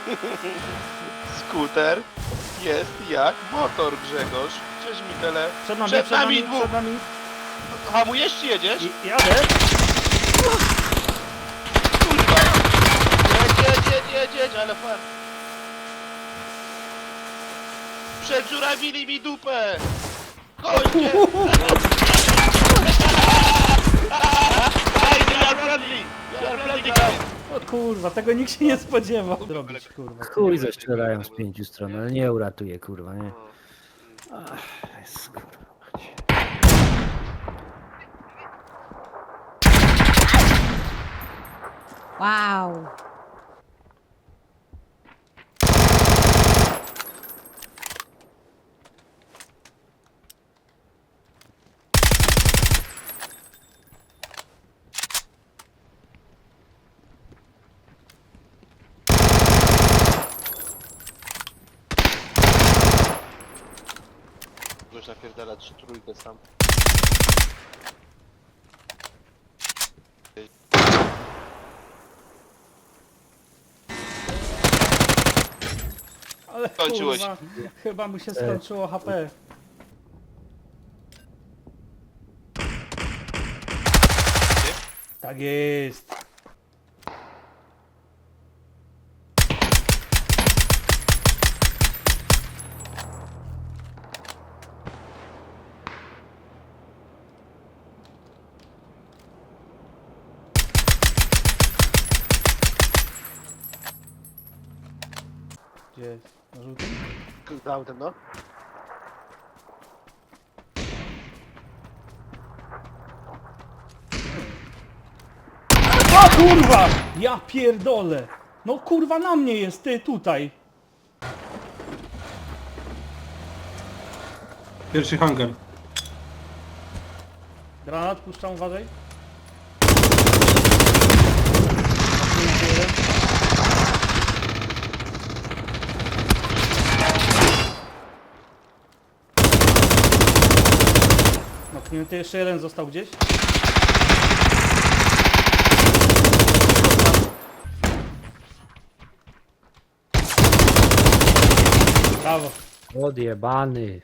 Skuter jest jak motor, Grzegorz. Cześć Mitele. Przed nami dwóch. przed nami. Hamujesz czy jedziesz? Jadę. Kurwa. Jedź, ale fan. Przedżurawili mi dupę. Kończę. O kurwa, tego nikt się nie spodziewał zrobić, kurwa. Chuj zastrzelają z 5 stron, ale nie uratuje, kurwa, nie? Ach, jest, kurwa. Mać. Wow. Możesz napierdalać trójkę sam. Ale Skończyło się. kurwa, chyba mu się skończyło HP. Tak jest. Gdzie jest? Na żółtym? Za autem, no. O kurwa! Ja pierdolę! No kurwa na mnie jest, ty tutaj! Pierwszy hangar. Granat puszczam, uważaj. Noknięty, jeszcze jeden został gdzieś. Brawo. Odjebany.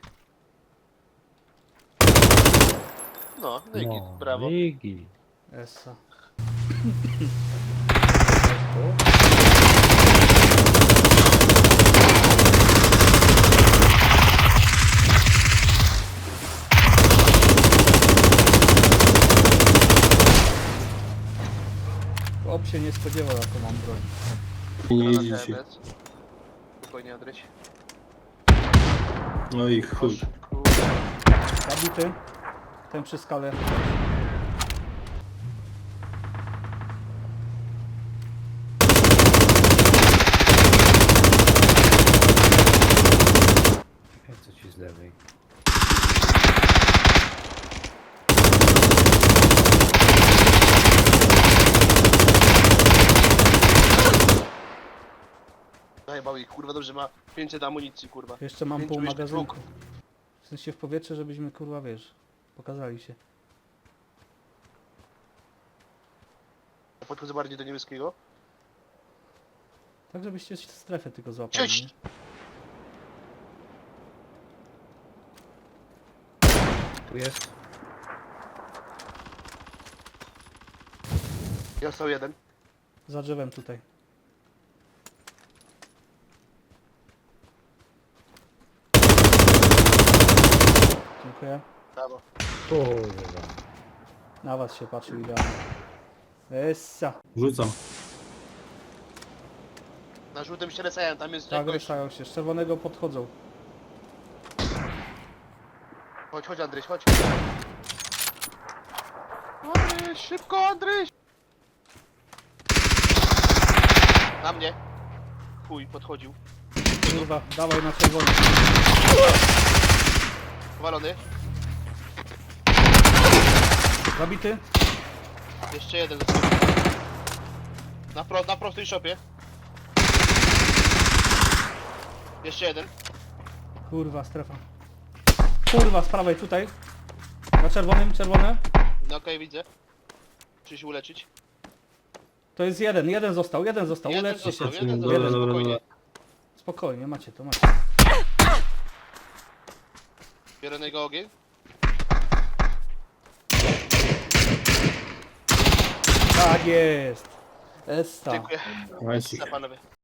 No, Nygit, No, brawo. Nigi. Essa. Chłop się nie spodziewał, jaką mam broń. I nie Na jedzie się. TMS. Spokojnie, Andryś. No i chuj. Kurde. Zabity. Ten przy skale. Czekaj, co ci z lewej. Zajebał ich, kurwa, dobrze ma 500 amunicji, kurwa. Jeszcze mam Pięciu pół jeszcze magazynku. dwóch. W sensie w powietrze, żebyśmy kurwa wiesz, pokazali się. Podchodzę bardziej do niebieskiego. Tak żebyście strefę tylko złapali. Cześć! Nie? Tu jest. Został jeden. Za drzewem tutaj. Dziękuję. Brawo. Kurwa. Na was się patrzył idealnie. Essa. Rzucam. Na żółtym się resają, tam jest Tak jakoś... ruszają się. Z czerwonego podchodzą. Chodź Andryś, chodź. Andryś, szybko Andryś! Na mnie. Chuj, podchodził. Kurwa, dawaj na czerwony. Powalony. Zabity. Jeszcze jeden. Na prostej szopie. Jeszcze jeden. Kurwa, strefa. Kurwa, z prawej tutaj. Na czerwonym, czerwone. No okej, widzę. Muszę się uleczyć. To jest jeden został, Jeden uleczcie się. został, jeden Dobra, został, dobra, spokojnie. dobra. Spokojnie, macie to, macie. Biorę na jego ogień. Tak jest. Essa. Dziękuję. Nice. Panowie.